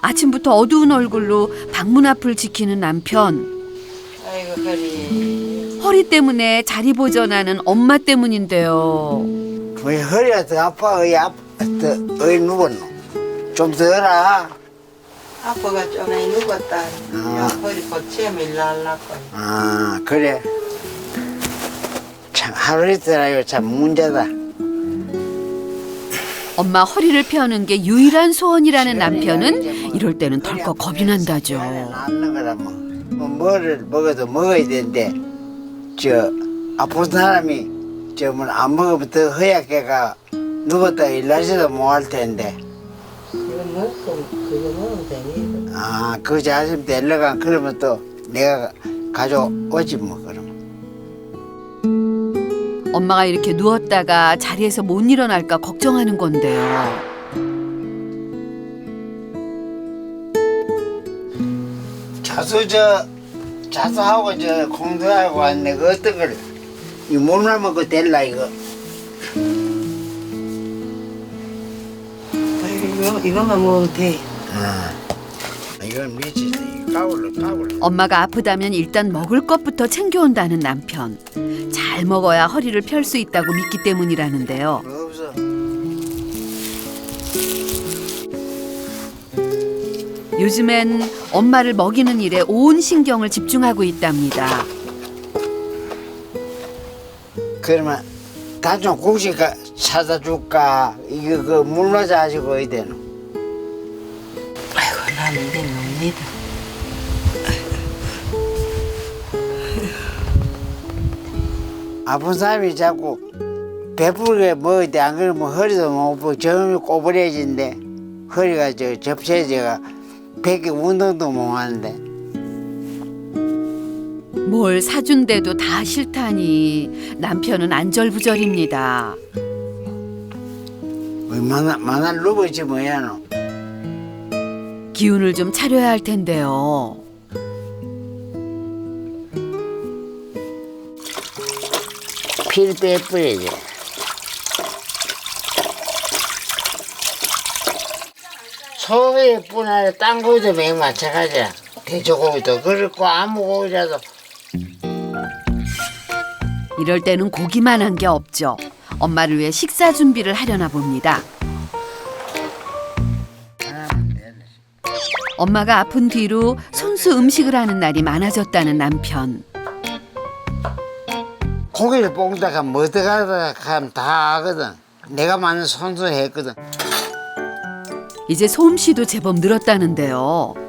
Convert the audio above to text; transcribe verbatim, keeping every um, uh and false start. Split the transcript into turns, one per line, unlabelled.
아침부터 어두운 얼굴로 방문 앞을 지키는 남편.
아이고 허리.
허리 때문에 자리 보전하는 엄마 때문인데요.
왜 허리가 더 아파? 어이 아파? 어이 누웠노? 좀 더라.
아빠가 전에 누웠다.
아.
허리 고치면 일날라고.
아 그래. 참 하루 이틀아요 참 문제다.
엄마 허리를 펴는 게 유일한 소원이라는 남편은 이럴 때는 덜컥 겁이 난다죠.
낫는 거라면 뭐 뭐를 먹어도 먹어야 되는데 저 아픈 사람이 저 뭐 안 먹으면 더 허약해가 누웠다 일하지도 못할 텐데.
이거 먹고 그거 먹으면 되니.
아, 그 자식 데려가 그러면 또 내가 가져오지 뭐 그러면.
엄마가 이렇게 누웠다가 자리에서 못 일어날까 걱정하는 건데요.
자수 저 자수하고 저 공부하고 왔네. 그 어떤 걸 이 몸을 먹고 될라 이거.
이거 이거만 먹으면 돼.
아, 이건 미치지. 까불러 까불러.
엄마가 아프다면 일단 먹을 것부터 챙겨온다는 남편. 잘 먹어야 허리를 펼 수 있다고 믿기 때문이라는데요.
없어.
요즘엔 엄마를 먹이는 일에 온 신경을 집중하고 있답니다.
그러면 단좀 국식 사다 줄까? 이거 그 물맞아 가지고 어야 되노?
아이고 나는 이제 놉니다.
아픈 사람이 자꾸 배부르게 먹어야 돼. 안 그러면 허리도 못 펴. 점이 꼬부려진대. 허리가 저 접시해져가 백기 운동도 못 하는데.
뭘 사준대도 다 싫다니 남편은 안절부절입니다.
얼마나 마나 누버지 뭐야 너.
기운을 좀 차려야 할 텐데요.
피를 빼버려야지. 소고기뿐 아니라 딴 고기도 맹 마찬가지야. 돼지고기도 그렇고 아무 고기라도.
이럴 때는 고기만 한 게 없죠. 엄마를 위해 식사 준비를 하려나 봅니다. 엄마가 아픈 뒤로 손수 음식을 하는 날이 많아졌다는 남편.
고기를 볶다가 뭐 들어가다 하면 다 하거든. 내가 많은 손수 했거든.
이제 솜씨도 제법 늘었다는데요.